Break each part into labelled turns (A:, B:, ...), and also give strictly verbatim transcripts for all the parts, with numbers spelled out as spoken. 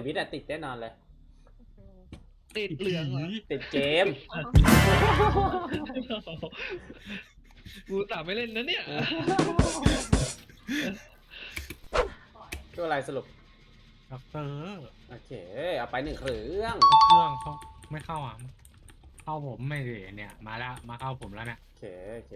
A: วิทย์อะติดแน่นอนเลย
B: ติดเหลืองเหรอ
A: ติดเกม
B: กูสามไม่เล่นนะเนี่ย
A: ตัวอะไรสรุป
C: ด็อกเตอร์
A: โอเคเอาไปหนึ่งเครื่อง
C: เครื่องเขาไม่เข้าอ่ะเข้าผมไม่เลยเนี่ยมาแล้วมาเข้าผมแล้วเนี่ย
A: โอเคโอเค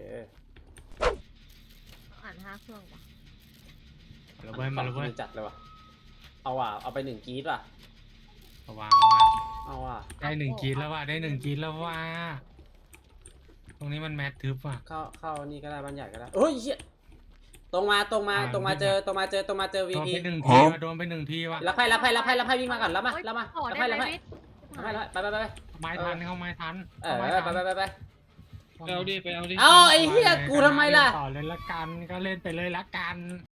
D: อ่านห้าเครื่องป่ะ
C: มาแล้วเว้ยมาแล้วเว้ย
A: จัดเลยวะเอาว่ะเอาไปหนึ่งกรีดว่ะ
C: ระวังว่า
A: เอาว่ะ
C: ได้หนึ่งกรีดแล้วว่าได้หนึ่งกรีดแล้วว่าตรงนี้มันแมททึบว่ะ
A: เข้าเข้านี่ก็ได้บ้านใหญ่ก็ได้โอ้ยเหี้ยตรงมาตรงมาตรงมาเจอตรงมาเจอตรงมาเจอวี
C: โดน
A: พี
C: ไปหนึ่งทีว่ะโดนไปหนึ่งทีว่ะ
A: รับไพ่รับไพ่รับไพ่รับไพ่วิ่งมาก่อนรับมารับมา
D: ขอ
A: รับ
D: ได้
A: ไพ่
D: ไหม
A: รับไพ่
D: วิทย์
A: รับไพ่ไปไปไปไป
C: ไม้ทันเข้าไม้ทัน
A: เออ
C: ไม้
A: ไป
C: ทัน
A: ไปไปไป
B: ไปเอาดิไปเอาดิ
A: เอาไอ้เหี้ยกูทำไมล่ะ
C: ต่อเลยละกันก็เล่นไปเลยละกัน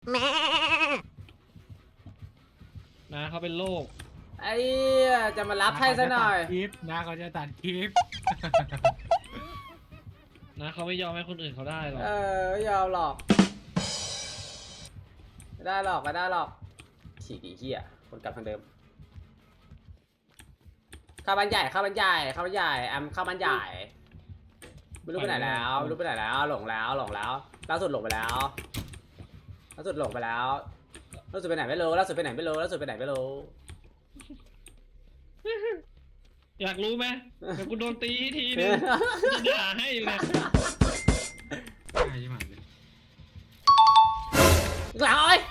B: นะเขาเป็นโรค
A: ไอ้เหี้ยจะมารับไพ่ซะหน่อย
C: คลิปนะเขาจะตัดคลิป
B: นะเขาไม่ยอมให้คนอื่นเขาได้หรอก
A: เออไม่ยอมหรอกไม่ได้หรอกไม่ได้หรอกฉีกอีเหี้ยคนกลับทางเดิมเข้าบ้านใหญ่เข้าบ้านใหญ่เข้าบ้านใหญ่แอมเข้าบ้านใหญ่ไม่รู้ไปไหนแล้วไม่รู้ไปไหนแล้วหลงแล้วหลงแล้วล่าสุดหลงไปแล้วล่าสุดหลงไปแล้วล่าสุดไปไหนไม่รู้ล่าสุดไปไหนไม่รู้ล่าสุดไปไหนไม่รู้
B: อยากรู้ไหมเดี๋ยวกูโดนตีทีนึงจะด่าให้เลย
C: ใช่ไหมเลย
A: หลังเอ้ย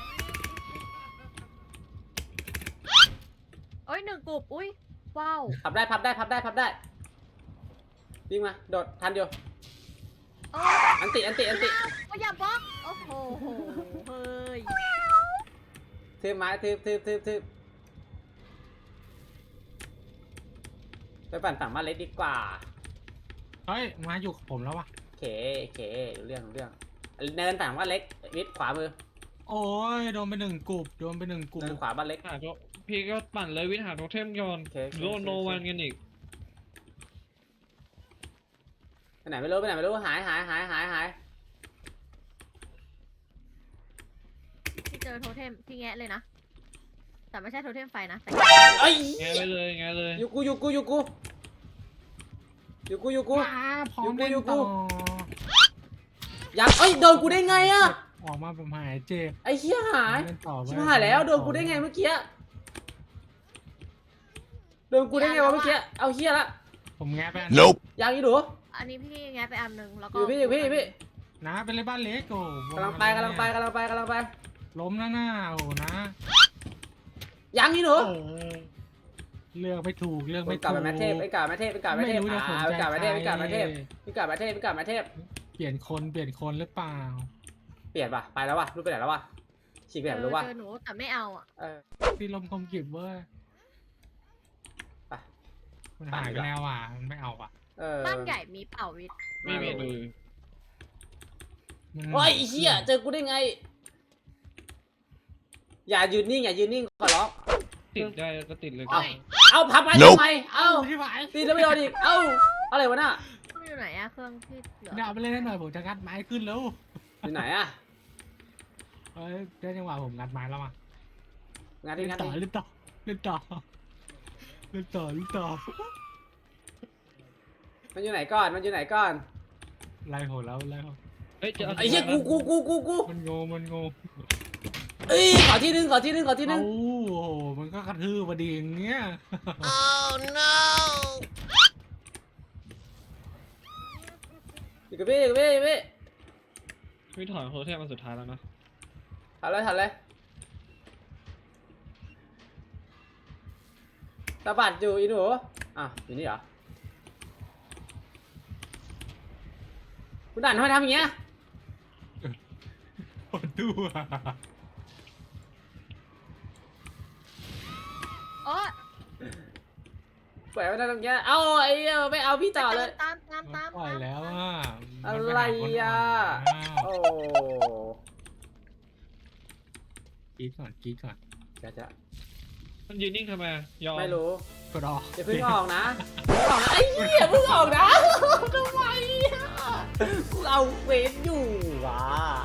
D: เอ้ยหนึ่งกลุ่มอุ้ยว้าว
A: พับได้พับได้พับได้พับได้วิ่งมาโดดทันอยู่
D: เออ
A: อันติอันติอันติ
D: ก็อย่าบล็อกโอ้โหเฮ้ย
A: ทืบไม้ทืบทืบทืบทืบไปปั่นฝั่งบ้านเล็กดีกว่า
C: เฮ้ยมาอยู่กับผมแล้ววะ
A: โอเคโอเครู้เรื่องรู้เรื่องเนินฝั่งบ้านเล็กวิทย์ขวามือ
C: โอ้ยโดนไปหนึ่งกลุ่มโดนไปหนึ่งกลุ่ม
A: เนินขวาบ้านเล็ก
B: หาโทพี่ก็ปั่นเลยวิทย์หาโทเทมก่อน
A: โอเคโอเค
B: โลโนวันกันอีก
A: ไปไหนไม่รู้ไปไหนไม่รู้หายหายหายหายหาย
D: ที่เจอโทเทมที่แงะเลยนะแต่ไม่ใช่โทเทมไฟนะแต่
A: เอ้ย
B: แงไปเลยแงเลย
A: อยู่กูอยู่กูอยู่กูอยู่กูอยู่กู
C: ว้าพร้อม
A: อยู่กู
C: เล่น
A: อยู่กู
C: ต่อ
A: ยังเอ้ยโดนกูได้ไงอะ
C: ออกมาผมหายเจ็บ
A: ไอ้เหี้ยหาย
C: เล่นต่อ
A: ชิบหายแล้วโดนกูได้ไงเมื่อกี้โดนกูได้ไงวะเมื่อกี้เอาเหี้ยละ
C: ผมแงะไปอัน
E: Nope.
A: ยังอีหนู
D: อันนี้พี่แงะไปอันหนึ่งแล้ว
A: อ
D: ก็
A: ยู่พี่อยู่พี่อยู่พี่
C: นะเป็นเลยบ้านเล็กโอ้
A: กำลังไปกำลังไปกำลังไปกำลังไป
C: ล้มหน้าหน้าโอ้นะ
A: ยังอีหนู
C: เออเลือกไม่ถูกเลือก
A: ไป
C: ไม่
A: กลับ
C: ถูก
A: ไปแมทเทพไปกลับแมทเทพไปกลับแมทเทพ
C: ไม่รู้จะสน
A: อ่า
C: ใจ
A: ไปกลับแมทเทพไป
C: ใคร
A: กลับแมทเทพไปกลับแมทเทพไปกลับแมทเทพ
C: เปลี่ยนคนเปลี่ยนคนหรือเปล่า
A: เปลี่ยนป่ะไปแล้ววะรู้ไปไหนแล้ววะฉีกไปไหนไม่รู้วะ
D: เจอหนูแต่ไม่เอาอ่ะ
A: เออ
C: ที่ลมคมกริบเว้ย
A: ไป
C: มันหายไปแล้วอ่ะมันไม่เอาอ่ะ
A: เออ
D: บ้านใหญ่มีเป่าวิทย์
B: ไม่มีเลย
C: มัน
A: โอ้ยไอ้เหี้ยเจอกูได้ไง อย่ายืนนิ่งอย่ายืนนิ่งขอร้อง
B: ติดได้ก็ติดเลย
A: เอาเอาพับไปทำไมเอ้า
C: ที่หาย
A: ตีแล้วไม่โดนอีกเอ้าอะไรวะน่ะ
D: เครื่องอยู่ไหนอะเครื่องที่เหลือ
C: เนี่ยเอาไปเล่นให้หน่อยผมจะงัดไม้ขึ้นแล้ว
A: อยู่ไหนอะ
C: เอ้ยได้จังหวะผมงัดไม้แล้วอ่ะ
A: งานที่
C: เล่น
A: งาน
C: ต่อ
A: ที่
C: เล่นต่อเล่นต่อเล่นต่อเล่นต่อ
A: มันอยู่ไหนก่อนมันอยู่ไหนก่อน
C: ไล่โหแล้วไล่โห
B: เฮ้ยจะเอา
A: ไอ้เหี้ยกูกูกูกูกู
C: มันโงมันโง
A: เอ้ยขอที่นึงขอที่นึงขอที่นึ
C: เอ้าง โอ้โหมันก็กระทืบพอดีอย่างเงี้ย
A: อยู่กับพี่อยู่กับพี่อยู่กับพี่
B: วิทย์ถอนโทเทมมาสุดท้ายแล้วนะ
A: ถัดเลยถัดเลยตาบัดอยู่อีหนูอ่ะอยู่นี่เหรอคุณด่านทำไมทำอย่างเงี้ย
C: ปวดตัว
D: โอ้
A: ปล่อยไว้ทำอย่างเงี้ยเอาไอ้เหี้ยไม่เอาพี่ต่อเลย
D: ตามตามตาม
C: ปล่อยแล้วอ่ะ
A: อะไรอ่ะ โอ้
C: กรีดก่อนกรีดก่อน
A: จะจะ
B: มันยืนนิ่งทำไมยอม
A: ไม่รู้
C: กดออก
A: อย่าเพิ่งออกนะเพิ่งออกนะไอ้เหี้ยเพิ่งออกนะทำไมอ่ะกูเอาเวทอยู่ว่ะ